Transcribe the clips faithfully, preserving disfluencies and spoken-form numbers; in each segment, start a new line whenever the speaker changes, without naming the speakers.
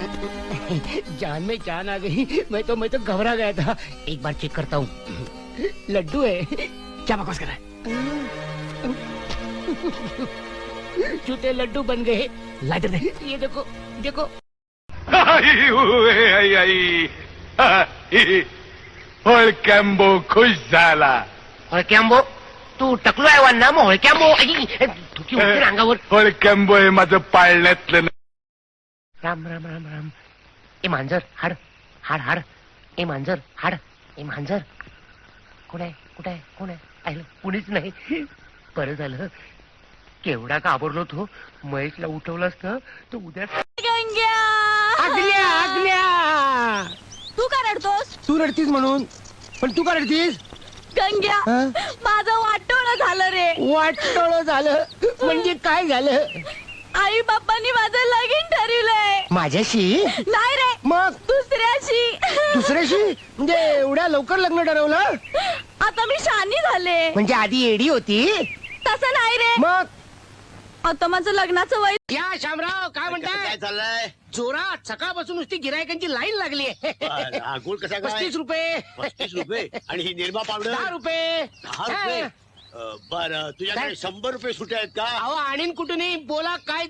जान में जान आ गई। मैं तो मैं तो घबरा गया था। एक बार चेक करता हूँ। लड्डू है।
क्या बकवास कर रहा है?
जूते लड्डू बन गए।
लाइटर दे।
ये देखो देखो।
होळक्याम्बो खुश झाला।
होळक्याम्बो तू टकलो आहे वान्ना मग होळक्याम्बो तुकी होती अंगावर।
होळक्याम्बो हे माझं पाळण्यातलं
राम राम राम राम। ए मांजर हाड हाड हाड। ए मांजर हाड। ए मांजर कोण आहे कुठे आहे कोण आहे? पाहिलं कुणीच नाही। बरं झालं केवढा घाबरलो तो। महेशला उठवलं असतं तर उद्या
गंग्या
आगल्या आगल्या।
तू का रडतोस?
तू रडतीस म्हणून, पण तू का रडतीस?
गंग्या
हं?
माझं वाटोळं झालं रे।
वाटोळं झालं म्हणजे काय झालं?
आई बाप्पांनी माझं लगीन ठरवलंय।
माझ्याशी?
नाही रे
मग
दुसऱ्याशी।
दुसऱ्याशी म्हणजे एवढ्या लवकर लग्न ठरवलं?
आता मी शानी झाले।
म्हणजे आधी एडी होती?
तसं नाही रे,
मग
आता माझं लग्नाचं वय।
या शामराव काय म्हणताय?
काय चाललंय?
जोरात सकाळपासून नुसती गिरायकांची लाईन लागली आहे।
हा, गुळ कसा काय?
पस्तीस रुपये
पस्तीस रुपये आणि ही निर्मा पावडर
दहा रुपये
दहा रुपये बर तुझ्याकडे
काय?
शंभर रुपये सुटे आहेत का?
अहो आणीन कुठूनही बोला काय?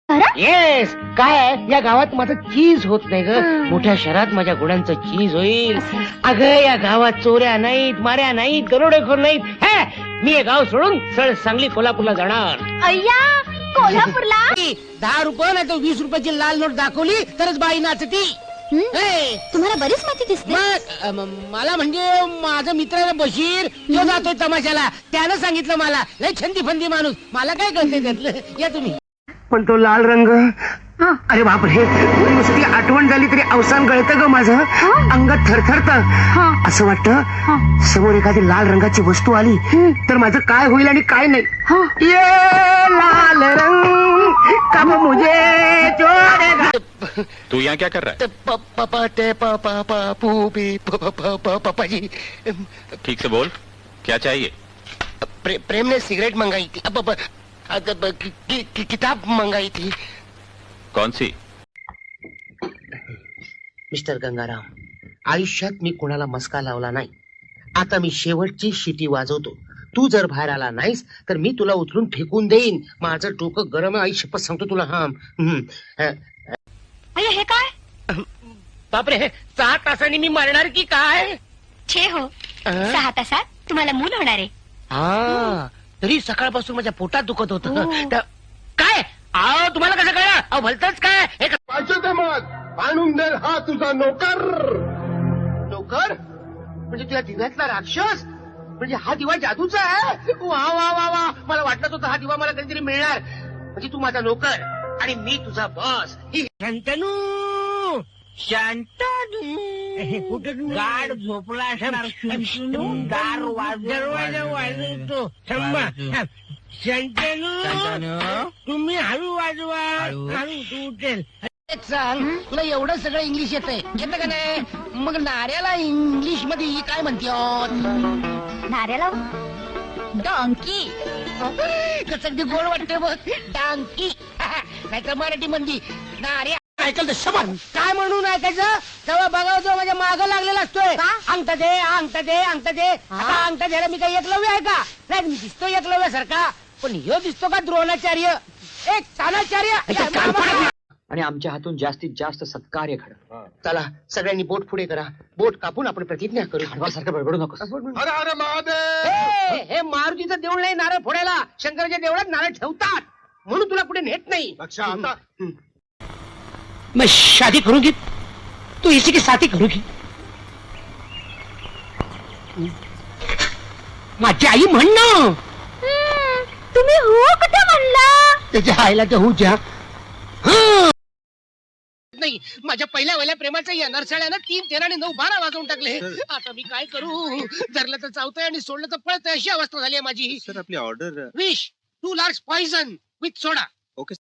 येस काय आहे या गावात माझं चीज होत नाही ग। मोठ्या शहरात माझ्या गुणांचं चीज होईल। अगं या गावात चोऱ्या नाहीत माऱ्या नाहीत दरोडेखोर नाहीत। हे मी हे गाव सोडून सळ सांगली कोल्हापूरला जाणार।
अय्या कोल्हापूरला?
दहा रुपये नाही तर वीस रुपयाची लाल नोट दाखवली तरच बाई नाचती। हे,
तुम्हाला बरीच माहिती दिसते।
मग अ, म- मला म्हणजे माझा मित्र आहे ना बशीर तो जातोय तमाशाला। त्यानं सांगितलं मला लय छंदी फंदी माणूस मला काय कळते त्यातलं। या तुम्ही। पण तो लाल रंग अरे बापरे नुसती आठवण झाली तरी अवसान गळतं ग माझं। अंगात थरथरत असं वाटतं समोर एखादी लाल रंगाची वस्तू आली तर माझं काय होईल आणि काय नाही। ये लाल रंग कब मुझे छोड़ेगा।
तू यहाँ क्या कर रहा
पापा ते पापा पापू बी पापाजी।
ठीक से बोल, क्या चाहिए?
प्रे, प्रेम ने सिगरेट मंगाई थी। अब, अब, अब, अब, कि, कि, कि, किताब मंगाई थी।
कौन सी?
मिस्टर गंगाराम आयुष्यात मी कुणाला मस्का लावला नाही। आता मी शेवटची शिटी वाजवतो। तू जर बाहेर आला नाहीस तर मी तुला उचलून फेकून देईन। माझं डोकं गरम आहे आई शपथ सांगतो तुला। हा
हे काय?
बापरे सहा तासांनी मी मरणार की काय?
छे हो सहा तासात तुम्हाला मूल होणार आहे।
हा तरी सकाळपासून माझ्या पोटात दुखत होत। काय अहो तुम्हाला कसं कळलं? अहो भलतच काय हे क-
पाहिजे मग आणून दे हा तुझा नोकर।
नोकर म्हणजे तुझ्या दिव्यातला राक्षस? म्हणजे हा दिवा जादूचा आहे? वा वा वा वा मला वाटत होतं हा दिवा मला कधीतरी मिळणार। म्हणजे तू माझा नोकर आणि मी तुझा बॉस। शांतनू शांतनू कुठं गाड झोपला असणार। दार दरवाजा वाजवतो थांबा। शांतनू तुम्ही हळू वाजवा हळू तू उठेल। सांग तुला एवढं सगळं इंग्लिश येतंय येतं का नाही? मग नाऱ्याला इंग्लिश मध्ये काय म्हणते?
नाऱ्याला डॉंकी।
कसं अगदी गोड वाटते बघ डांकी। नाहीतर मराठी मंदी नाऱ्या ऐकलं शबन काय म्हणून ऐकायचं? तेव्हा बघा जो माझ्या मागं लागलेला असतोय अंगठा दे अंगठा दे अंगठा दे। आता अंगठा द्यायला मी काही एकलव्य आहे का? नाही मी दिसतो एकलव्यासारखा पण ह्यो दिसतो का द्रोणाचार्य एक तानाचार्य।
आणि आमच्या हातून जास्तीत जास्त सत्कार्य घड।
चला सगळ्यांनी बोट पुढे करा। बोट कापून आपण प्रतिज्ञा करू।
सारखं बडबडू नकोस।
हर हर महादेव।
हे हे मारुतीचं देऊळ नाही नारळ फोडायला। शंकराच्या देवळात नारळ ठेवतात म्हणून तुला पुढे नेत नाही।
अच्छा आता
मैं शादी करूंगी तो इसी की साथी करूंगी। माझी आई म्हणणं
तुम्ही हो कुठं म्हणला?
त्याच्या आईला तर होऊ द्या। नाही माझ्या पहिल्या वल्या प्रेमाचं या नरसाळ्यानं तीन तेरा आणि नऊ बारा वाजवून टाकले। आता मी काय करू? धरलं तर चावतंय आणि सोडलं तर पळतंय अशी अवस्था झाली आहे माझी।
सर आपली order
wish two large poison with soda.
Okay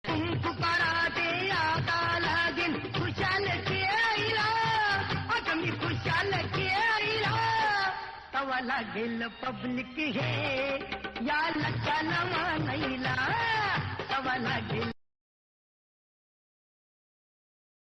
लागेल पब्लिक हे या लक्षाला मानायला तवा लागेल।